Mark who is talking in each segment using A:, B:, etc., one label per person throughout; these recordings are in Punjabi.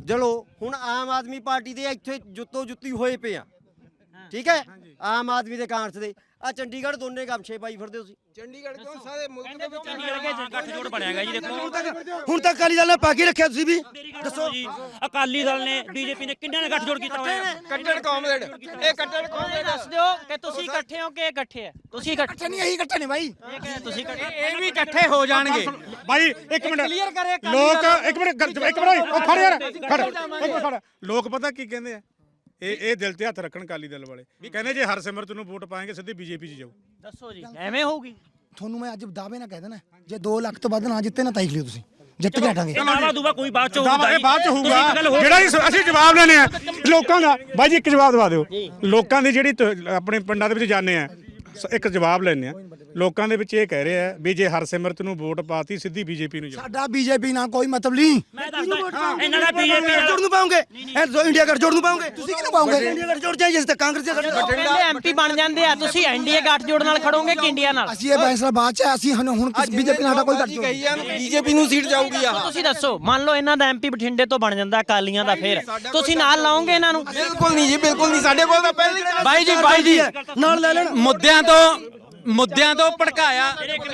A: ਚਲੋ ਹੁਣ ਆਮ ਆਦਮੀ ਪਾਰਟੀ ਦੇ ਇੱਥੇ ਜੁੱਤੋ ਜੁੱਤੀ ਹੋਏ ਪਏ ਆ ਠੀਕ ਹੈ ਆਮ ਆਦਮੀ ਦੇ ਕਾਂਗਰਸ ਦੇ ਆ ਚੰਡੀਗੜ੍ਹ ਦੋਨੇ ਗਮਛੇ ਪਾਈ ਫਿਰਦੇ ਤੁਸੀਂ
B: ਚੰਡੀਗੜ੍ਹ ਕਿਉਂ ਸਾਰੇ ਮੁਲਕ ਦੇ ਵਿੱਚ
C: ਗੱਠਜੋੜ ਬਣਿਆਗਾ ਜੀ ਦੇਖੋ
A: ਹੁਣ ਤੱਕ ਅਕਾਲੀ ਦਲ ਨੇ ਪਾ ਕੇ ਰੱਖਿਆ ਤੁਸੀਂ ਵੀ
C: ਦੱਸੋ ਜੀ ਅਕਾਲੀ ਦਲ ਨੇ ਬੀਜੇਪੀ ਨੇ ਕਿੰਨਾਂ ਨੇ ਗੱਠਜੋੜ ਕੀਤਾ ਹੋਇਆ
B: ਕੱਟੜ ਕਾਮਰੇਡ ਇਹ ਕੱਟੜ ਕਾਮਰੇਡ
D: ਦੱਸ ਦਿਓ ਕਿ ਤੁਸੀਂ ਇਕੱਠੇ ਹੋ ਕਿ ਇਕੱਠੇ ਆ ਤੁਸੀਂ ਇਕੱਠੇ
A: ਨਹੀਂ ਇਹੀ ਇਕੱਠੇ ਨੇ ਬਾਈ
D: ਇਹ ਕਹਿੰਦੇ ਤੁਸੀਂ ਇਕੱਠੇ
B: ਇਹ ਵੀ ਇਕੱਠੇ ਹੋ ਜਾਣਗੇ
E: ਬਾਈ ਇੱਕ ਮਿੰਟ
D: ਕਲੀਅਰ ਕਰੇ
E: ਲੋਕ ਇੱਕ ਮਿੰਟ ਉਹ ਖੜ ਯਾਰ ਖੜ ਲੋਕ ਪਤਾ ਕੀ ਕਹਿੰਦੇ ਆ ਇਹ ਦਿਲ ਤੇ ਹੱਥ ਰੱਖਣ ਅਕਾਲੀ ਦਲ ਵਾਲੇ ਕਹਿੰਦੇ ਜੇ ਹਰਸਿਮਰਤ ਨੂੰ ਵੋਟ ਪਾਏਗੇ ਸਿੱਧੀ ਬੀਜੇਪੀ 'ਚ ਜਾਊ
D: ਦੱਸੋ ਜੀ ਐਵੇਂ ਹੋਊਗੀ
F: ਤੁਹਾਨੂੰ ਮੈਂ ਅੱਜ ਦਾਅਵੇ ਨਾਲ ਕਹਿ ਦੇਣਾ ਜੇ 2 ਲੱਖ ਤੋਂ ਵੱਧ ਨਾ ਜਿੱਤੇ ਨਾ ਤਾਈਖ ਲਿਓ ਤੁਸੀਂ ਜਿੱਤ ਕੇ ਹਟਾਂਗੇ
C: ਦਾਵਾ ਦੂਵਾ ਕੋਈ ਬਾਅਦ ਚ
E: ਦਾਵਾ ਇਹ ਬਾਅਦ ਚ ਹੋਊਗਾ ਜਿਹੜਾ ਅਸੀਂ ਜਵਾਬ ਲੈਣੇ ਆ ਲੋਕਾਂ ਦਾ ਬਾਈ ਜੀ ਇੱਕ ਜਵਾਬ ਦਵਾ ਦਿਓ ਲੋਕਾਂ ਦੀ ਜਿਹੜੀ ਆਪਣੇ ਪਿੰਡਾਂ ਦੇ ਵਿੱਚ ਜਾਂਦੇ ਆ ਇੱਕ ਜਵਾਬ ਲੈਣੇ ਆ ਲੋਕਾਂ ਦੇ ਵਿੱਚ ਇਹ ਕਹਿ ਰਹੇ ਆ ਵੀ ਜੇ ਹਰਸਿਮਰਤ ਨੂੰ ਵੋਟ ਪਾਤੀ ਸਿੱਧੀ ਬੀਜੇਪੀ ਨੂੰ ਜਾਓ
F: ਸਾਡਾ ਬੀਜੇਪੀ ਨਾਲ ਕੋਈ ਮਤਲਬ ਨਹੀਂ
C: ਮੈਂ ਦੱਸਦਾ ਇਹਨਾਂ ਦਾ ਬੀਜੇਪੀ
A: ਜੋੜ ਨੂੰ ਪਾਉਂਗੇ ਇੰਡੀਆ ਗੱਠਜੋੜ ਨੂੰ ਪਾਉਂਗੇ
F: ਤੁਸੀਂ ਕਿਹਨੂੰ ਪਾਉਂਗੇ
A: ਇੰਡੀਆ ਗੱਠਜੋੜ ਚਾਹੀਏ ਜਿਸ ਤੱਕ ਕਾਂਗਰਸ ਦੇ ਗੱਠਜੋੜ
D: ਕਹਿੰਦੇ ਐਮਪੀ ਬਣ ਜਾਂਦੇ ਆ ਤੁਸੀਂ ਐਨਡੀਏ ਗੱਠਜੋੜ ਨਾਲ ਖੜੋਗੇ ਕਿ ਇੰਡੀਆ ਨਾਲ
F: ਅਸੀਂ ਇਹ ਫੈਸਲਾ ਬਾਅਦ ਚ ਅਸੀਂ ਹੁਣ ਕਿਸ ਬੀਜੇਪੀ ਨਾਲ ਸਾਡਾ ਕੋਈ ਗੱਠਜੋੜ
B: ਕਹੀ ਜਾਣ ਬੀਜੇਪੀ ਨੂੰ ਸੀਟ ਜਾਊਗੀ ਆ
D: ਤੁਸੀਂ ਦੱਸੋ ਮੰਨ ਲਓ ਇਹਨਾਂ ਦਾ ਐਮਪੀ ਬਠਿੰਡੇ ਤੋਂ ਬਣ ਜਾਂਦਾ ਅਕਾਲੀਆਂ ਦਾ ਫੇਰ ਤੁਸੀਂ ਨਾਲ ਲਾਓਗੇ ਇਹਨਾਂ ਨੂੰ
B: ਬਿਲਕੁਲ ਨਹੀਂ ਜੀ ਬਿਲਕੁਲ ਨਹੀਂ ਸਾਡੇ ਕੋਲ ਤਾਂ ਪਹਿਲੀ
G: ਬਾਈ ਜੀ
A: ਨਾਲ ਲੈ ਲੈਣ
G: ਮੁੱਦਿਆਂ ਤੋਂ ਭੜਕਾਇਆ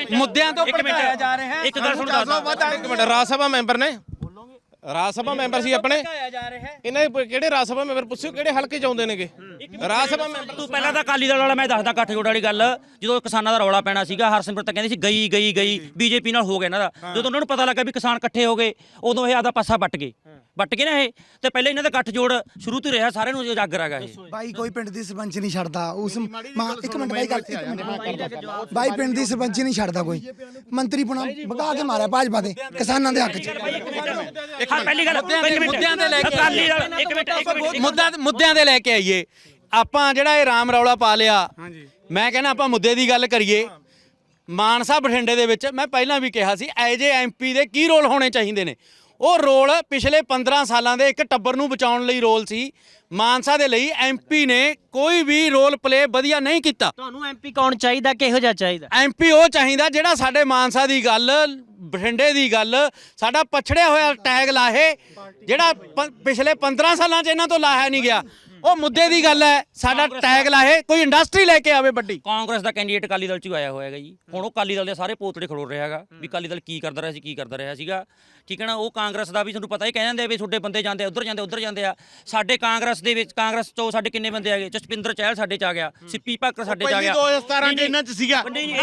G: ਜਾ ਰਿਹਾ ਹੈ
C: ਇੱਕ ਗੱਲ ਸੁਣ ਦੱਸਦਾ
B: ਇੱਕ ਮਿੰਟ ਰਾਜ ਸਭਾ ਮੈਂਬਰ ਨੇ ਰਾਜ ਸਭਾ ਮੈਂਬਰ ਸੀ ਆਪਣੇ ਇਹਨਾਂ ਦੇ ਕਿਹੜੇ ਰਾਜ ਸਭਾ ਮੈਂਬਰ ਪੁੱਛਿਓ ਕਿਹੜੇ ਹਲਕੇ ਚ ਆਉਂਦੇ ਨੇਗੇ ਰਾਜ ਸਭਾ ਮੈਂਬਰ
C: ਤੂੰ ਪਹਿਲਾਂ ਤਾਂ ਅਕਾਲੀ ਦਲ ਵਾਲਾ ਮੈਂ ਦੱਸਦਾ ਗੱਠਜੋੜ ਵਾਲੀ ਗੱਲ ਜਦੋਂ ਕਿਸਾਨਾਂ ਦਾ ਰੌਲਾ ਪੈਣਾ ਸੀਗਾ ਹਰਸਿਮਰਤ ਤਾਂ ਕਹਿੰਦੀ ਸੀ ਗਈ ਬੀਜੇਪੀ ਨਾਲ ਹੋ ਗਿਆ ਇਹਨਾਂ ਦਾ ਜਦੋਂ ਉਹਨਾਂ ਨੂੰ ਪਤਾ ਲੱਗਾ ਵੀ ਕਿਸਾਨ ਇਕੱਠੇ ਹੋ ਗਏ ਉਦੋਂ ਇਹ ਆਦਾ ਪਾਸਾ ਵੱਟ ਗਏ ਨਾ ਇਹ ਤੇ ਪਹਿਲੇ ਇਹਨਾਂ ਦਾ ਗੱਠਜੋੜ ਸ਼ੁਰੂ ਤੋਂ ਰਿਹਾ ਸਾਰਿਆਂ ਨੂੰ ਉਜਾਗਰ ਹੈਗਾ ਇਹ
F: ਬਾਈ ਕੋਈ ਪਿੰਡ ਦੀ ਸਰਪੰਚ ਨਹੀਂ ਛੱਡਦਾ ਉਸ ਇੱਕ ਮਿੰਟ ਬਾਈ ਗੱਲ ਬਾਈ ਪਿੰਡ ਦੀ ਸਰਪੰਚ ਨਹੀਂ ਛੱਡਦਾ ਕੋਈ ਮੰਤਰੀ ਪੁਣਾ ਭਗਾ ਕੇ ਮਾਰਿਆ ਭਾਜਪਾ ਦੇ ਕਿਸਾਨਾਂ ਦੇ ਹੱਕ ਚ
C: ਪਹਿਲੀ ਗੱਲ
G: ਮੁੱਦਿਆਂ ਦੇ ਲੈ ਕੇ
C: ਅਕਾਲੀ ਦਲ ਇੱਕ ਮਿੰਟ
G: ਮੁੱਦਿਆਂ ਦੇ ਲੈ ਕੇ ਆਈਏ ਆਪਾਂ ਜਿਹੜਾ ਇਹ ਰਾਮ ਰੌਲਾ ਪਾ ਲਿਆ ਮੈਂ ਕਹਿੰਦਾ ਆਪਾਂ ਮੁੱਦੇ ਦੀ ਗੱਲ ਕਰੀਏ ਮਾਨਸਾ ਬਠਿੰਡੇ ਦੇ ਵਿੱਚ ਮੈਂ ਪਹਿਲਾਂ ਵੀ ਕਿਹਾ ਸੀ ਐਜ ਏ ਐਮਪੀ ਦੇ ਕੀ ਰੋਲ ਹੋਣੇ ਚਾਹੀਦੇ ਨੇ ਉਹ ਰੋਲ ਪਿਛਲੇ 15 ਸਾਲਾਂ ਦੇ ਇੱਕ ਟੱਬਰ ਨੂੰ ਬਚਾਉਣ ਲਈ ਰੋਲ ਸੀ ਮਾਨਸਾ ਦੇ ਲਈ ਐਮਪੀ ਨੇ ਕੋਈ ਵੀ ਰੋਲ ਪਲੇ ਵਧੀਆ ਨਹੀਂ ਕੀਤਾ
D: ਤੁਹਾਨੂੰ ਐਮਪੀ ਕੌਣ ਚਾਹੀਦਾ ਕਿਹੋ ਜਿਹਾ ਚਾਹੀਦਾ
G: ਐਮਪੀ ਉਹ ਚਾਹੀਦਾ ਜਿਹੜਾ ਸਾਡੇ ਮਾਨਸਾ ਦੀ ਗੱਲ ਬਠਿੰਡੇ ਦੀ ਗੱਲ ਸਾਡਾ ਪਛੜਿਆ ਹੋਇਆ ਟੈਗ ਲਾਹੇ ਜਿਹੜਾ ਪਿਛਲੇ 15 ਸਾਲਾਂ 'ਚ ਇਹਨਾਂ ਤੋਂ ਲਾਹਿਆ ਨਹੀਂ ਗਿਆ ਉਹ ਮੁੱਦੇ ਦੀ ਗੱਲ ਹੈ ਸਾਡਾ ਟੈਗ ਲਾਹੇ ਕੋਈ ਇੰਡਸਟਰੀ ਲੈ ਕੇ ਆਵੇ ਵੱਡੀ
C: ਕਾਂਗਰਸ ਦਾ ਕੈਂਡੀਡੇਟ ਅਕਾਲੀ ਦਲ 'ਚ ਆਇਆ ਹੋਇਆ ਹੈਗਾ ਜੀ ਹੁਣ ਉਹ ਅਕਾਲੀ ਦਲ ਦੇ ਸਾਰੇ ਪੋਤੜੇ ਖੜੋ ਰਿਹਾ ਹੈਗਾ ਵੀ ਅਕਾਲੀ ਦਲ ਕੀ ਕਰਦਾ ਰਿਹਾ ਸੀਗਾ ਠੀਕ ਹੈ ਨਾ ਉਹ ਕਾਂਗਰਸ ਦਾ ਵੀ ਤੁਹਾਨੂੰ ਪਤਾ ਹੀ ਕਹਿ ਜਾਂਦੇ ਵੀ ਤੁਹਾਡੇ ਬੰਦੇ ਜਾਂਦੇ ਉੱਧਰ ਜਾਂਦੇ ਆ ਸਾਡੇ ਕਾਂਗਰਸ ਦੇ ਵਿੱਚ ਕਾਂਗਰਸ ਤੋਂ ਸਾਡੇ ਕਿੰਨੇ ਬੰਦੇ ਹੈਗੇ ਜਸਪਿੰਦਰ ਚਹਿਲ ਸਾਡੇ 'ਚ ਆ ਗਿਆ ਸਿੱਪੀ ਭਾਕਰ ਸਾਡੇ 'ਚ ਆ ਗਿਆ
E: 2017 ਚ ਇਹਨਾਂ 'ਚ ਸੀਗਾ
C: ਨਹੀਂ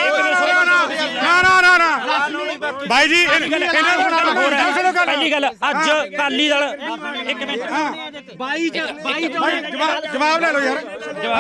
E: ਨਾ ਬਾਈ ਜੀ
C: ਪਹਿਲੀ ਗੱਲ ਅੱਜ ਅਕਾਲੀ ਦਲ ਇੱਕ ਮਿੰਟ
E: ਜਵਾਬ ਲੈ ਲਓ ਯਾਰ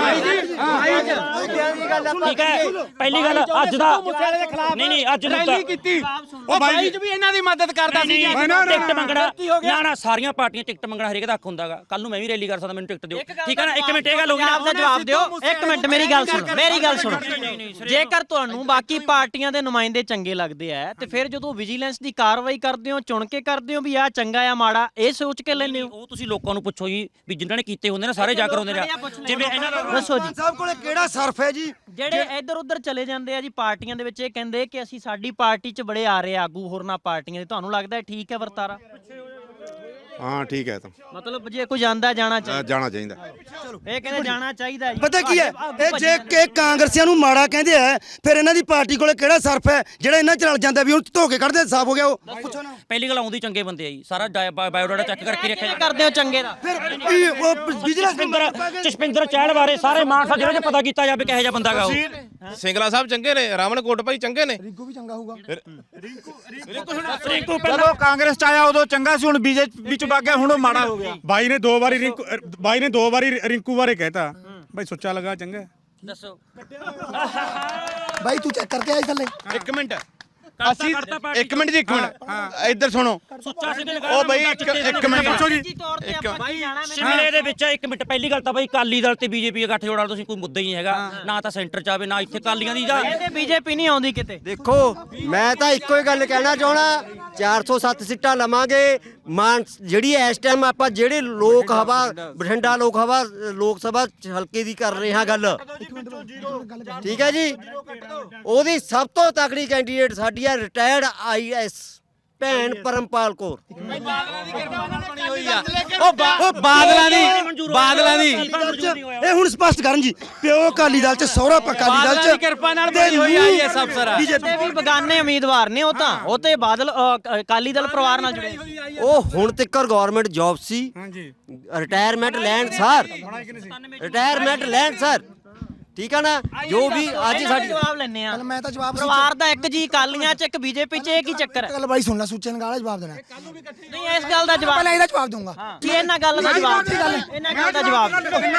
C: ਠੀਕ ਹੈ ਪਹਿਲੀ ਗੱਲ ਅੱਜ ਦਾ ਨਹੀਂ ਅੱਜ
G: ਰੈਲੀ ਕੀਤੀ ਉਹ ਬਾਈ ਜੀ ਵੀ ਇਹਨਾਂ ਦੀ ਮਦਦ ਕਰਦਾ ਸੀ
C: ਟਿਕਟ ਮੰਗਣਾ ਨਾ ਸਾਰੀਆਂ ਪਾਰਟੀਆਂ ਟਿਕਟ ਮੰਗਣਾ ਹਰੇਕ ਦਾ ਹੱਕ ਹੁੰਦਾਗਾ ਕੱਲ ਨੂੰ ਮੈਂ ਵੀ ਰੈਲੀ ਕਰ ਸਕਦਾ ਮੈਨੂੰ ਟਿਕਟ ਦਿਓ ਠੀਕ ਹੈ ਨਾ ਇੱਕ ਮਿੰਟ ਇਹ ਗੱਲ ਹੋ ਗਈ
D: ਆਪ ਦਾ ਜਵਾਬ ਦਿਓ ਇੱਕ ਮਿੰਟ ਮੇਰੀ ਗੱਲ ਸੁਣੋ ਜੇਕਰ ਤੁਹਾਨੂੰ ਬਾਕੀ ਪਾਰਟੀਆਂ ਦੇ ਨੁਮਾਇੰਦੇ ਚੰਗੇ ਲੱਗਦੇ ਆ ਤੇ ਫਿਰ ਜਦੋਂ ਵਿਜੀਲੈਂਸ ਦੀ ਕਾਰਵਾਈ ਕਰਦੇ ਹੋ ਚੁਣ ਕੇ ਕਰਦੇ ਹੋ ਵੀ ਆ ਚੰਗਾ ਆ ਮਾੜਾ ਇਹ ਸੋਚ ਕੇ ਲੈਂਦੇ ਹੋ
C: ਉਹ ਤੁਸੀਂ ਲੋਕਾਂ ਨੂੰ ਪੁੱਛੋ ਜੀ ਵੀ ਜਿਨ੍ਹਾਂ ਨੇ ਕੀਤੇ ਹੁੰਦੇ ਨੇ ਸਾਰੇ ਜਾ ਕਰ ਹੁੰਦੇ ਨੇ ਜਿਵੇਂ ਇਹਨਾਂ ਦਾ
D: ਦੱਸੋ ਜੀ
A: ਸਾਹਿਬ ਕੋਲੇ ਕਿਹੜਾ ਸਰਫ ਹੈ ਜੀ
D: ਜਿਹੜੇ ਇੱਧਰ ਉੱਧਰ ਚਲੇ ਜਾਂਦੇ ਆ ਜੀ ਪਾਰਟੀਆਂ ਦੇ ਵਿੱਚ ਇਹ ਕਹਿੰਦੇ ਕਿ ਅਸੀਂ ਸਾਡੀ ਪਾਰਟੀ 'ਚ ਬੜੇ ਆ ਰਹੇ ਆਗੂ ਹੋਰਨਾਂ ਪਾਰਟੀਆਂ ਦੇ ਤੁਹਾਨੂੰ ਲੱਗਦਾ ਠੀਕ ਹੈ ਵਰਤਾਰਾ
H: ਹਾਂ ਠੀਕ ਹੈ ਤਾਂ
D: ਮਤਲਬ ਜੇ ਕੋਈ ਜਾਂਦਾ ਜਾਣਾ ਚਾਹੀਦਾ
H: ਜਾਣਾ ਚਾਹੀਦਾ
D: ਇਹ ਕਹਿੰਦੇ ਜਾਣਾ ਚਾਹੀਦਾ ਜੀ
A: ਪਤਾ ਕੀ ਹੈ ਇਹ ਜੇ ਕਿ ਕਾਂਗਰਸੀਆਂ ਨੂੰ ਮਾੜਾ ਕਹਿੰਦੇ ਆ ਫਿਰ ਇਹਨਾਂ ਦੀ ਪਾਰਟੀ ਕੋਲੇ ਕਿਹੜਾ ਸਰਫ ਹੈ ਜਿਹੜਾ ਇਹਨਾਂ ਚ ਰਲ ਜਾਂਦਾ ਵੀ ਹੁਣ ਧੋ ਕੇ ਕੱਢਦੇ ਸਾਫ ਹੋ ਗਿਆ ਉਹ ਪੁੱਛੋ ਨਾ
C: ਪਹਿਲੀ ਗੱਲ ਆਉਂਦੀ ਚੰਗੇ ਬੰਦੇ ਆ ਜੀ ਸਾਰਾ ਬਾਇਓਡਾਟਾ ਚੈੱਕ ਕਰਕੇ ਰੱਖਿਆ
D: ਕਰਦੇ ਹੋ ਚੰਗੇ ਦਾ
A: ਫਿਰ ਉਹ ਬਿਜਨਸ
C: ਜਸਪਿੰਦਰ ਚਹਿਲ ਬਾਰੇ ਸਾਰੇ ਮਾਨਸਾ ਜ਼ਿਲ੍ਹੇ 'ਚ ਪਤਾ ਕੀਤਾ ਜਾਵੇ ਕਿਹੋ ਜਿਹਾ ਬੰਦਾ ਗਾ ਉਹ
B: ਸਿੰਗਲਾ ਸਾਹਿਬ ਚੰਗੇ ਨੇ ਰਾਵਣ ਕੋਟ ਭਾਈ ਚੰਗੇ ਨੇ
F: ਰਿੰਕੂ ਵੀ ਚੰਗਾ ਹੋਊਗਾ
E: ਜਦੋਂ ਕਾਂਗਰਸ ਚ ਆਇਆ ਉਦੋਂ ਚੰਗਾ ਸੀ ਹੁਣ ਬੀਜੇਪੀ ਚ ਵਗ ਗਿਆ ਹੁਣ ਉਹ ਮਾੜਾ ਹੋ ਗਿਆ ਬਾਈ ਨੇ ਦੋ ਵਾਰੀ ਰਿੰਕੂ ਬਾਰੇ ਕਹਿਤਾ ਬਾਈ ਸੁੱਚਾ ਲਗਾ ਚੰਗਾ
C: ਦੱਸੋ
F: ਬਾਈ ਤੂੰ ਚੈੱਕ ਕਰਕੇ ਆਈ ਥੱਲੇ
B: ਇੱਕ ਮਿੰਟ ਅਸੀਂ ਇੱਕ ਮਿੰਟ ਜੀ ਇੱਕ ਮਿੰਟ ਇੱਧਰ ਸੁਣੋ ਉਹ ਬਈ ਇੱਕ ਮਿੰਟ ਪੁੱਛੋ ਜੀ
C: ਸ਼ਿਮਲੇ ਦੇ ਵਿੱਚ ਇੱਕ ਮਿੰਟ ਪਹਿਲੀ ਗੱਲ ਤਾਂ ਬਈ ਅਕਾਲੀ ਦਲ ਤੇ ਬੀਜੇਪੀ ਦਾ ਗੱਠਜੋੜ ਵਾਲਾ ਤੁਸੀਂ ਕੋਈ ਮੁੱਦਾ ਹੀ ਨਹੀਂ ਹੈਗਾ ਨਾ ਤਾਂ ਸੈਂਟਰ ਚ ਆਵੇ ਨਾ ਇੱਥੇ ਅਕਾਲੀਆਂ ਦੀ ਜਾਂ
D: ਇਹਦੇ ਬੀਜੇਪੀ ਨਹੀਂ ਆਉਂਦੀ ਕਿਤੇ
A: ਦੇਖੋ ਮੈਂ ਤਾਂ ਇੱਕੋ ਹੀ ਗੱਲ ਕਹਿਣਾ ਚਾਹਣਾ 407 ਸੀਟਾਂ ਲਵਾਂਗੇ ਮਾਨ ਜਿਹੜੀ ਇਸ ਟਾਈਮ ਆਪਾਂ ਜਿਹੜੇ ਲੋਕ ਹਵਾ ਬਠਿੰਡਾ ਲੋਕ ਸਭਾ ਹਲਕੇ ਦੀ ਕਰ ਰਹੇ ਹਾਂ ਗੱਲ ਠੀਕ ਹੈ ਜੀ ਉਹਦੀ ਸਭ ਤੋਂ ਤਕੜੀ ਕੈਂਡੀਡੇਟ ਸਾਡੀ ਹੈ ਰਿਟਾਇਰਡ IAS ਭੈਣ ਪਰਮਪਾਲ ਕੌਰ।
G: ਉਹ ਬਾਦਲਾਂ ਦੀ
F: ਇਹ ਹੁਣ ਸਪਸ਼ਟ ਕਰਨ ਜੀ, ਪਿਓ ਅਕਾਲੀ ਦਲ ਚ, ਸਹੁਰਾ ਅਕਾਲੀ ਦਲ
G: ਬਾਦਲਾਂ
F: ਚ,
G: ਦੀ ਕਿਰਪਾ ਨਾਲ ਬਣੀ ਹੋਈ ਆ ਇਹ ਸਭ ਸਾਰਾ।
D: ਤੇ ਵੀ ਬਗਾਨੇ ਉਮੀਦਵਾਰ ਨੇ, ਉਹ ਤੇ ਬਾਦਲ ਅਕਾਲੀ ਦਲ ਪਰਿਵਾਰ ਨਾਲ ਜੁੜੇ।
A: ਉਹ ਹੁਣ ਤੱਕ ਗਵਰਨਮੈਂਟ ਜੌਬ ਸੀ,
E: ਹਾਂਜੀ
A: ਰਿਟਾਇਰਮੈਂਟ ਲੈਣ ਸਰ, ਰਿਟਾਇਰਮੈਂਟ ਲੈਣ ਸਰ, ਠੀਕ ਆ ਨਾ। ਜੋ ਵੀ ਅੱਜ ਸਾਡੀ
D: ਜਵਾਬ ਲੈਣੇ ਆ,
F: ਮੈਂ ਤਾਂ ਜਵਾਬ
D: ਪਰਿਵਾਰ ਦਾ ਇੱਕ ਜੀ ਅਕਾਲੀਆਂ ਚ, ਇੱਕ ਬੀਜੇਪੀ ਚ, ਇਹ ਕੀ ਚੱਕਰ ਹੈ?
F: ਗੱਲ ਬਾਈ ਸੁਣ ਲੈ, ਸੂਚੇ ਨਗਾਲਾ ਜਵਾਬ ਦੇਣਾ।
D: ਨਹੀਂ ਇਸ ਗੱਲ ਦਾ ਜਵਾਬ
F: ਪਹਿਲਾਂ ਇਹਦਾ ਜਵਾਬ ਦਊਂਗਾ।
D: ਕੀ ਇਹਨਾਂ ਗੱਲ ਦਾ ਜਵਾਬ, ਇਹਨਾਂ ਗੱਲ ਦਾ ਜਵਾਬ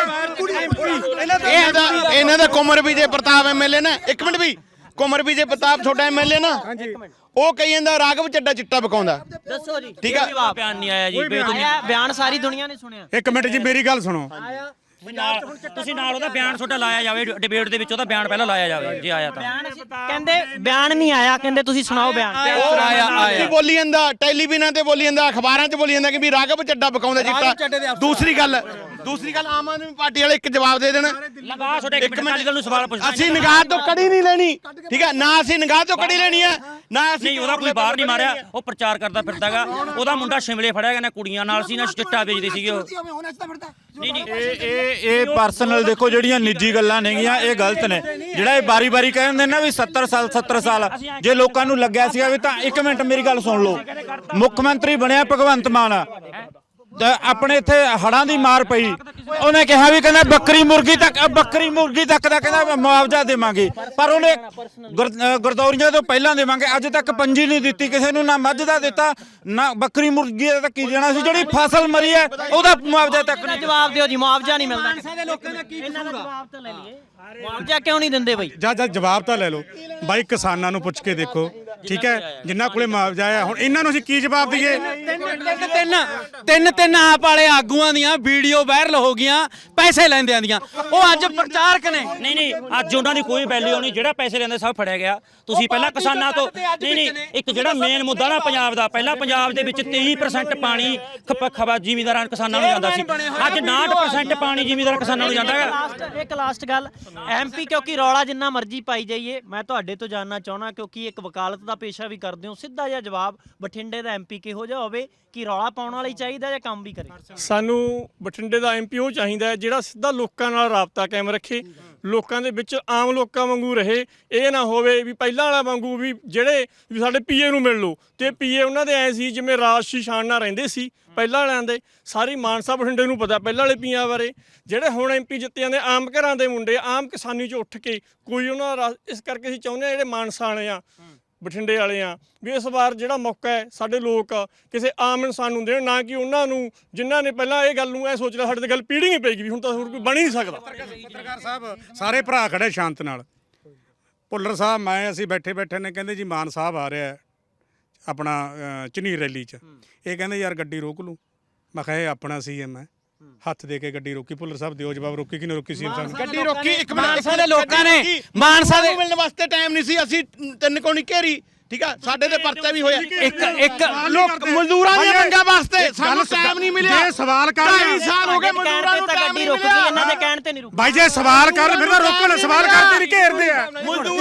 B: ਇਹਨਾਂ ਦਾ ਕੁਮਰ ਵਿਜੇ ਪ੍ਰਤਾਪ ਐਮਐਲਏ ਨਾ, ਇੱਕ ਮਿੰਟ ਵੀ, ਕੁਮਰ ਵਿਜੇ ਪ੍ਰਤਾਪ ਤੁਹਾਡਾ ਐਮਐਲਏ ਨਾ, ਉਹ ਕਹੀ ਜਾਂਦਾ ਰਾਘਵ ਚੱਡਾ ਚਿੱਟਾ ਪਕਾਉਂਦਾ।
D: ਦੱਸੋ ਜੀ,
B: ਠੀਕ ਆ।
D: ਜਵਾਬ ਬਿਆਨ ਨਹੀਂ ਆਇਆ ਜੀ, ਬਿਆਨ ਸਾਰੀ ਦੁਨੀਆ ਨੇ ਸੁਣਿਆ।
E: ਇੱਕ ਮਿੰਟ ਜੀ ਮੇਰੀ ਗੱਲ ਸੁਣੋ।
C: ਤੁਸੀਂ ਨਾਲ ਉਹਦਾ ਬਿਆਨ ਤੁਹਾਡਾ ਲਾਇਆ ਜਾਵੇ, ਡਿਬੇਟ ਦੇ ਵਿੱਚ ਉਹਦਾ ਬਿਆਨ ਪਹਿਲਾਂ ਲਾਇਆ ਜਾਵੇ ਜੇ ਆਇਆ ਤਾਂ।
D: ਕਹਿੰਦੇ ਬਿਆਨ ਨਹੀਂ ਆਇਆ, ਕਹਿੰਦੇ ਤੁਸੀਂ ਸੁਣਾਓ ਬਿਆਨ।
B: ਕੀ ਬੋਲੀ ਜਾਂਦਾ, ਟੈਲੀਵਿਜ਼ਨ ਤੇ ਬੋਲੀ ਜਾਂਦਾ, ਅਖਬਾਰਾਂ 'ਚ ਬੋਲੀ ਜਾਂਦਾ ਕਿ ਵੀ ਰਾਘਵ ਚੱਡਾ ਪਕਾਉਂਦਾ ਚਿੱਟਾ। ਦੂਸਰੀ ਗੱਲ ਆਮ ਆਦਮੀ ਪਾਰਟੀ ਵਾਲੇ ਇੱਕ ਜਵਾਬ ਦੇ ਦੇਣ।
C: ਲਗਾ ਤੁਹਾਡੇ ਇੱਕ ਮਿੰਟ ਗੱਲ ਨੂੰ ਸਵਾਲ ਪੁੱਛਦਾ।
B: ਅਸੀਂ ਨਿਗਾਹ ਤੋਂ ਕੜੀ ਨਹੀਂ ਲੈਣੀ, ਠੀਕ ਹੈ ਨਾ, ਅਸੀਂ ਨਿਗਾਹ ਤੋਂ ਕੜੀ ਲੈਣੀ ਹੈ ਨਾ। ਅਸੀਂ
C: ਨਹੀਂ ਉਹਦਾ ਕੋਈ ਬਾਹਰ ਨਹੀਂ ਮਾਰਿਆ, ਉਹ ਪ੍ਰਚਾਰ ਕਰਦਾ ਫਿਰਦਾਗਾ। ਉਹਦਾ ਮੁੰਡਾ ਸ਼ਿਮਲੇ ਫੜਿਆ ਗਿਆ ਨਾ, ਕੁੜੀਆਂ ਨਾਲ ਸੀ ਨਾ, ਚਿੱਟਾ ਵੇਚਦੇ ਸੀਗੇ ਉਹ। ਨਹੀਂ ਨਹੀਂ
I: ਇਹ ਪਰਸਨਲ ਦੇਖੋ, ਜਿਹੜੀਆਂ ਨਿੱਜੀ ਗੱਲਾਂ ਨੇਗੀਆਂ ਇਹ ਗਲਤ ਨੇ। ਜਿਹੜਾ ਇਹ ਬਾਰੀ-ਬਾਰੀ ਕਹਿੰਦੇ ਨਾ ਵੀ 70 ਸਾਲ ਜੇ ਲੋਕਾਂ ਨੂੰ ਲੱਗਿਆ ਸੀਗਾ ਵੀ ਤਾਂ ਇੱਕ ਮਿੰਟ ਮੇਰੀ ਗੱਲ ਸੁਣ ਲਓ। ਮੁੱਖ ਮੰਤਰੀ ਬਣਿਆ ਭਗਵੰਤ ਮਾਨ, ਆਪਣੇ ਇੱਥੇ ਹੜਾਂ ਦੀ ਮਾਰ ਪਈ, ਉਹਨੇ ਕਿਹਾ ਵੀ ਕਹਿੰਦਾ ਬੱਕਰੀ ਮੁਰਗੀ ਤੱਕ ਦਾ ਕਹਿੰਦਾ ਮੁਆਵਜ਼ਾ ਦੇਵਾਂਗੇ, ਪਰ ਉਹਨੇ ਗਰਦੌਰੀਆਂ ਤੋਂ ਪਹਿਲਾਂ ਦੇਵਾਂਗੇ, ਅੱਜ ਤੱਕ ਪੰਜੀ ਨਹੀਂ ਦਿੱਤੀ ਕਿਸੇ ਨੂੰ, ਨਾ ਮੱਝ ਦਾ ਦਿੱਤਾ ਨਾ ਬੱਕਰੀ ਮੁਰਗੀ ਦਾ। ਤਾਂ ਕੀ ਦੇਣਾ ਸੀ, ਜਿਹੜੀ ਫਸਲ ਮਰੀ ਹੈ ਉਹਦਾ ਮੁਆਵਜ਼ਾ ਤੱਕ ਨਹੀਂ।
D: ਜਵਾਬ ਦਿਓ ਜੀ, ਮੁਆਵਜ਼ਾ ਨਹੀਂ ਮਿਲਦਾ। ਇਹਨਾਂ ਦਾ ਜਵਾਬ ਤਾਂ ਲੈ ਲਈਏ, ਮੁਆਵਜ਼ਾ ਕਿਉਂ ਨਹੀਂ ਦਿੰਦੇ ਬਈ?
E: ਜਾ ਜਵਾਬ ਤਾਂ ਲੈ ਲਓ ਬਾਈ, ਕਿਸਾਨਾਂ ਨੂੰ ਪੁੱਛ ਕੇ ਦੇਖੋ, ਠੀਕ ਹੈ, ਜਿੰਨਾਂ ਕੋਲੇ ਮੁਆਵਜ਼ਾ ਆ। ਹੁਣ ਇਹਨਾਂ ਨੂੰ ਅਸੀਂ ਕੀ ਜਵਾਬ ਦਈਏ?
G: ਤਿੰਨ ਆਪ ਵਾਲੇ ਆਗੂਆਂ ਦੀਆਂ ਵੀਡੀਓ ਵਾਇਰਲ ਹੋ ਗਈਆਂ ਪੈਸੇ ਲੈਂਦਿਆਂ ਦੀਆਂ, ਉਹ ਅੱਜ ਪ੍ਰਚਾਰਕ ਨੇ।
C: ਨਹੀਂ ਅੱਜ ਉਹਨਾਂ ਦੀ ਕੋਈ ਵੈਲਿਊ ਨਹੀਂ, ਜਿਹੜਾ ਪੈਸੇ ਲੈਂਦੇ ਸਭ ਫੜਿਆ ਗਿਆ। ਤੁਸੀਂ ਪਹਿਲਾਂ ਕਿਸਾਨਾਂ ਤੋਂ ਨਹੀਂ ਇੱਕ ਜਿਹੜਾ ਮੇਨ ਮੁੱਦਾ ਨਾ ਪੰਜਾਬ ਦਾ, ਪਹਿਲਾਂ ਪੰਜਾਬ ਦੇ ਵਿੱਚ 23% ਪਾਣੀ ਜ਼ਿਮੀਂਦਾਰਾਂ ਕਿਸਾਨਾਂ ਨੂੰ ਜਾਂਦਾ ਸੀ, ਅੱਜ 69% ਪਾਣੀ ਜ਼ਿਮੀਂਦਾਰਾਂ ਕਿਸਾਨਾਂ ਨੂੰ ਜਾਂਦਾ ਹੈ।
D: ਇੱਕ ਲਾਸਟ ਗੱਲ, ਐਮਪੀ ਕਿਉਂਕਿ ਰੌਲਾ ਜਿੰਨਾ ਮਰਜ਼ੀ ਪਾਈ ਜਾਈਏ, ਮੈਂ ਤੁਹਾਡੇ ਤੋਂ ਜਾਣਨਾ ਚਾਹਣਾ, ਕਿਉਂਕਿ ਇੱਕ ਵਕਾਲਤ ਦਾ ਪੇਸ਼ਾ ਵੀ ਕਰਦੇ ਹੋ, ਸਿੱਧਾ ਜਿਹਾ ਜਵਾਬ, ਬਠਿੰਡੇ ਦਾ ਐਮਪੀ ਕਿਹੋ ਜਿਹਾ ਹੋਵੇ, ਕਿ ਰੌਲਾ ਪਾਉਣ ਵਾਲਾ ਹੀ ਚਾਹੀਦਾ ਜਾਂ ਕੰਮ ਵੀ ਕਰੇ?
J: ਸਾਨੂੰ ਬਠਿੰਡੇ ਦਾ ਐਮਪੀ ਉਹ ਚਾਹੀਦਾ ਜਿਹੜਾ ਸਿੱਧਾ ਲੋਕਾਂ ਨਾਲ ਰਾਬਤਾ ਕਾਇਮ ਰੱਖੇ, ਲੋਕਾਂ ਦੇ ਵਿੱਚ ਆਮ ਲੋਕਾਂ ਵਾਂਗੂ ਰਹੇ। ਇਹ ਨਾ ਹੋਵੇ ਵੀ ਪਹਿਲਾਂ ਵਾਲਾ ਵਾਂਗੂ ਵੀ ਜਿਹੜੇ ਵੀ ਸਾਡੇ ਪੀਏ ਨੂੰ ਮਿਲ ਲਓ, ਤੇ ਪੀਏ ਉਹਨਾਂ ਦੇ ਐ ਸੀ ਜਿਵੇਂ ਰਾਜਸ਼ੀ ਸ਼ਾਨ ਨਾਲ ਰਹਿੰਦੇ ਸੀ ਪਹਿਲਾਂ ਵਾਲਿਆਂ ਦੇ। ਸਾਰੀ ਮਾਨਸਾ ਬਠਿੰਡੇ ਨੂੰ ਪਤਾ ਪਹਿਲਾਂ ਵਾਲੇ ਪੀਆਂ ਬਾਰੇ। ਜਿਹੜੇ ਹੁਣ ਐਮਪੀ ਜਿੱਤੇ ਜਾਂਦੇ ਆਮ ਘਰਾਂ ਦੇ ਮੁੰਡੇ, ਆਮ ਕਿਸਾਨੀ 'ਚ ਉੱਠ ਕੇ ਕੋਈ ਉਹਨਾਂ ਦਾ, ਇਸ ਕਰਕੇ ਅਸੀਂ ਚਾਹੁੰਦੇ ਹਾਂ ਜਿਹੜੇ ਮਾਨਸਾ ਵਾਲੇ ਆ, ਬਠਿੰਡੇ ਵਾਲੇ ਆ, ਵੀ ਇਸ ਵਾਰ ਜਿਹੜਾ ਮੌਕਾ ਹੈ ਸਾਡੇ ਲੋਕ ਕਿਸੇ ਆਮ ਇਨਸਾਨ ਨੂੰ ਦੇਣ, ਨਾ ਕਿ ਉਹਨਾਂ ਨੂੰ ਜਿਨ੍ਹਾਂ ਨੇ ਪਹਿਲਾਂ ਇਹ ਗੱਲ ਨੂੰ ਇਹ ਸੋਚ ਲਿਆ ਸਾਡੇ ਤੇ ਗੱਲ ਪੀੜੀ ਨਹੀਂ ਪਏਗੀ, ਵੀ ਹੁਣ ਤਾਂ ਹੋਰ ਕੋਈ ਬਣ ਹੀ ਨਹੀਂ ਸਕਦਾ।
E: ਪੱਤਰਕਾਰ ਸਾਹਿਬ ਸਾਰੇ ਭਰਾ ਖੜੇ ਸ਼ਾਂਤ ਨਾਲ। ਭੁੱਲਰ ਸਾਹਿਬ ਅਸੀਂ ਬੈਠੇ ਨੇ, ਕਹਿੰਦੇ ਜੀ ਮਾਨ ਸਾਹਿਬ ਆ ਰਿਹਾ ਆਪਣਾ ਝਨੀਰ ਰੈਲੀ 'ਚ, ਇਹ ਕਹਿੰਦੇ ਯਾਰ ਗੱਡੀ ਰੋਕ ਲੂ। ਮੈਂ ਕਿਹਾ ਇਹ ਆਪਣਾ ਸੀਐਮ ਹੈ, ਹੱਥ ਦੇ ਕੇ ਗੱਡੀ ਰੋਕੀ। ਭੁੱਲਰ ਸਾਹਿਬ ਦਿਓ ਜਵਾਬ, ਰੋਕੀ ਕਿਨੇ ਰੋਕੀ ਸੀਐਮ ਸਾਹਿਬ?
B: ਗੱਡੀ ਰੋਕੀ ਇੱਕ
G: ਮਾਨਸਾ ਦੇ ਲੋਕਾਂ ਨੇ, ਮਾਨਸਾ ਦੇ
B: ਮਿਲਣ ਵਾਸਤੇ ਟਾਈਮ ਨਹੀਂ ਸੀ, ਅਸੀਂ 3 ਕੋਣੀ ਘੇਰੀ, ਠੀਕ ਆ, ਸਾਡੇ ਤੇ ਪਰਚਾ ਵੀ ਹੋਇਆ।
G: ਇੱਕ
B: ਲੋਕ ਮਜ਼ਦੂਰਾਂ ਦੀਆਂ ਮੰਗਾਂ ਵਾਸਤੇ ਸਾਨੂੰ ਟਾਈਮ ਨਹੀਂ ਮਿਲਿਆ।
E: ਜੇ ਸਵਾਲ ਕਰ
B: 2.5 ਸਾਲ ਹੋ ਗਏ ਮਜ਼ਦੂਰਾਂ ਨੂੰ ਟਾਈਮ ਨਹੀਂ ਮਿਲਿਆ।
D: ਇਹਨਾਂ ਦੇ ਕਹਿਣ ਤੇ ਨਹੀਂ ਰੁਕੀ।
E: ਬਾਈ ਜੇ ਸਵਾਲ ਕਰ ਫਿਰ ਤਾਂ ਰੋਕਣ, ਸਵਾਲ ਕਰਦੇ ਨਹੀਂ ਘੇਰਦੇ ਆ।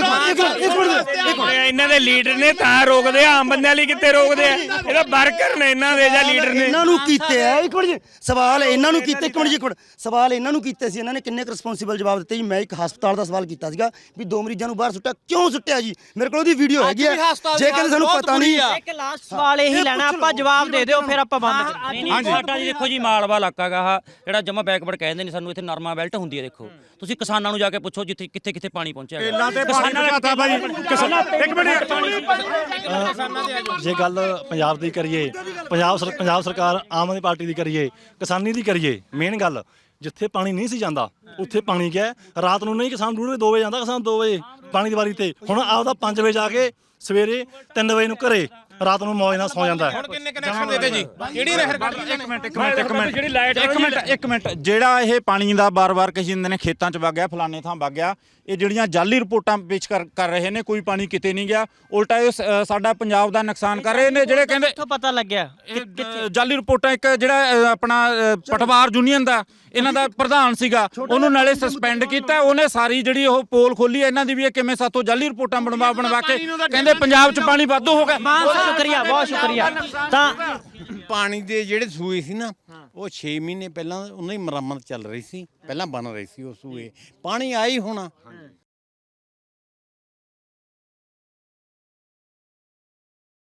J: ਇਹਨਾਂ ਦੇ ਲੀਡਰ ਨੇ ਤਾਂ ਰੋਕਦੇ ਆ, ਆਮ ਬੰਦਿਆਂ ਲਈ ਕਿੱਥੇ ਰੋਕਦੇ ਆ? ਇਹਦਾ ਵਰਕਰ ਨੇ ਇਹਨਾਂ ਦੇ ਜਾਂ ਲੀਡਰ ਨੇ।
F: ਇਹਨਾਂ ਨੂੰ ਕੀਤੇ ਆ, ਇੱਕ ਮਿੰਟ ਜੀ, ਸਵਾਲ ਇਹਨਾਂ ਨੂੰ ਕੀਤੇ, ਇੱਕ ਮਿੰਟ ਸਵਾਲ ਇਹਨਾਂ ਨੂੰ ਕੀਤੇ ਸੀ, ਇਹਨਾਂ ਨੇ ਕਿੰਨੇ ਰਿਸਪੌਂਸਿਬਲ ਜਵਾਬ ਦਿੱਤੇ ਜੀ। ਮੈਂ ਇੱਕ ਹਸਪਤਾਲ ਦਾ ਸਵਾਲ ਕੀਤਾ ਸੀਗਾ ਵੀ 2 ਮਰੀਜ਼ਾਂ ਨੂੰ ਬਾਹਰ ਸੁੱਟਿਆ, ਕਿਉਂ ਸੁੱਟਿਆ ਜੀ? ਮੇਰੇ ਕੋਲ ਉਹਦੀ ਵੀਡੀਓ ਹੈਗੀ ਆ, ਜੇ ਕਹਿੰਦੇ ਸਾਨੂੰ ਪਤਾ ਨਹੀਂ।
D: ਇੱਕ ਲਾਸਟ ਸਵਾਲ ਇਹੀ ਲੈਣਾ, ਆਪਾਂ ਜਵਾਬ ਦੇ ਦਿਓ ਫਿਰ ਆਪਾਂ ਬੰਦ ਕਰਾਂਗੇ।
C: ਨਹੀਂ ਸਾਡਾ ਜੀ ਦੇਖੋ ਜੀ, ਮਾਲਵਾ ਇਲਾਕਾ ਗਾ ਆਹ, ਜਿਹੜਾ ਜਮਾ ਬੈਕਵਰਡ ਕਹਿੰਦੇ ਨੇ ਸਾਨੂੰ, ਇੱਥੇ ਨਰਮਾ ਬੈਲਟ ਹੁੰਦੀ ਹੈ। ਦੇਖੋ ਤੁਸੀਂ ਕਿਸਾਨਾਂ ਨੂੰ ਜਾ ਕੇ ਪੁੱਛੋ ਜਿੱਥੇ ਕਿੱਥੇ ਪਾਣੀ ਪਹੁੰਚਿਆ ਹੈ।
I: ਜੇ ਗੱਲ ਪੰਜਾਬ ਦੀ ਕਰੀਏ, ਪੰਜਾਬ ਸਰਕਾਰ ਆਮ ਆਦਮੀ ਪਾਰਟੀ ਦੀ ਕਰੀਏ, ਕਿਸਾਨੀ ਦੀ ਕਰੀਏ, ਮੇਨ ਗੱਲ ਜਿੱਥੇ ਪਾਣੀ ਨਹੀਂ ਸੀ ਜਾਂਦਾ ਉੱਥੇ ਪਾਣੀ ਗਿਆ। ਰਾਤ ਨੂੰ ਨਹੀਂ ਕਿਸਾਨ 2 ਵਜੇ ਜਾਂਦਾ, ਕਿਸਾਨ 2 ਵਜੇ ਪਾਣੀ ਦੀ ਵਾਰੀ ਤੇ, ਹੁਣ ਆਪਦਾ 5 ਵਜੇ ਜਾ ਕੇ ਸਵੇਰੇ 3 ਵਜੇ ਨੂੰ ਘਰੇ, ਰਾਤ ਨੂੰ ਮੌਜ ਨਾਲ ਸੌ ਜਾਂਦਾ ਹੈ।
B: ਹੁਣ ਕਿੰਨੇ ਕਨੈਕਸ਼ਨ ਦੇਤੇ ਜੀ? ਕਿਹੜੀ ਨਹਿਰ ਕੱਢ ਲਈ?
I: ਇੱਕ ਮਿੰਟ ਜਿਹੜਾ ਇਹ ਪਾਣੀ ਦਾ ਬਾਰ-ਬਾਰ ਕਹੀ ਜਾਂਦੇ ਨੇ ਖੇਤਾਂ 'ਚ ਵਗ ਗਿਆ, ਫਲਾਣੇ ਥਾਂ ਵਗ ਗਿਆ, ਇਹ ਜਿਹੜੀਆਂ ਜਾਲੀ ਰਿਪੋਰਟਾਂ ਪੇਸ਼ ਕਰ ਰਹੇ ਨੇ, ਕੋਈ ਪਾਣੀ ਕਿਤੇ ਨਹੀਂ ਗਿਆ, ਉਲਟਾ ਇਹ ਸਾਡਾ ਪੰਜਾਬ ਦਾ ਨੁਕਸਾਨ ਕਰ ਰਹੇ ਨੇ। ਜਿਹੜੇ ਕਹਿੰਦੇ
D: ਕਿੱਥੋਂ ਪਤਾ ਲੱਗਿਆ
I: ਜਾਲੀ ਰਿਪੋਰਟਾਂ, ਇੱਕ ਜਿਹੜਾ ਆਪਣਾ ਪਟਵਾਰ ਯੂਨੀਅਨ ਦਾ ਇਹਨਾਂ ਦਾ ਪ੍ਰਧਾਨ ਸੀਗਾ, ਉਹਨੂੰ ਨਾਲੇ ਸਸਪੈਂਡ ਕੀਤਾ, ਉਹਨੇ ਸਾਰੀ ਜਿਹੜੀ ਉਹ ਪੋਲ ਖੋਲੀ ਇਹਨਾਂ ਦੀ ਵੀ ਇਹ ਕਿਵੇਂ ਸਾਤੋਂ ਜਾਲੀ ਰਿਪੋਰਟਾਂ ਬਣਵਾ ਕੇ ਕਹਿੰਦੇ ਪੰਜਾਬ 'ਚ ਪਾਣੀ ਵਾਧੂ ਹੋ ਗਿਆ।
D: ਸ਼ੁਕਰੀਆ, ਬਹੁਤ ਸ਼ੁਕਰੀਆ। ਤਾਂ
K: ਪਾਣੀ ਦੇ ਜਿਹੜੇ ਸੂਏ ਸੀ ਨਾ, ਉਹ 6 ਮਹੀਨੇ ਪਹਿਲਾਂ ਉਹਨਾਂ ਦੀ ਮੁਰੰਮਤ ਚੱਲ ਰਹੀ ਸੀ, ਪਹਿਲਾਂ ਬਣ ਰਹੀ ਸੀ ਉਹ ਸੂਏ, ਪਾਣੀ ਆਈ ਹੋਣਾ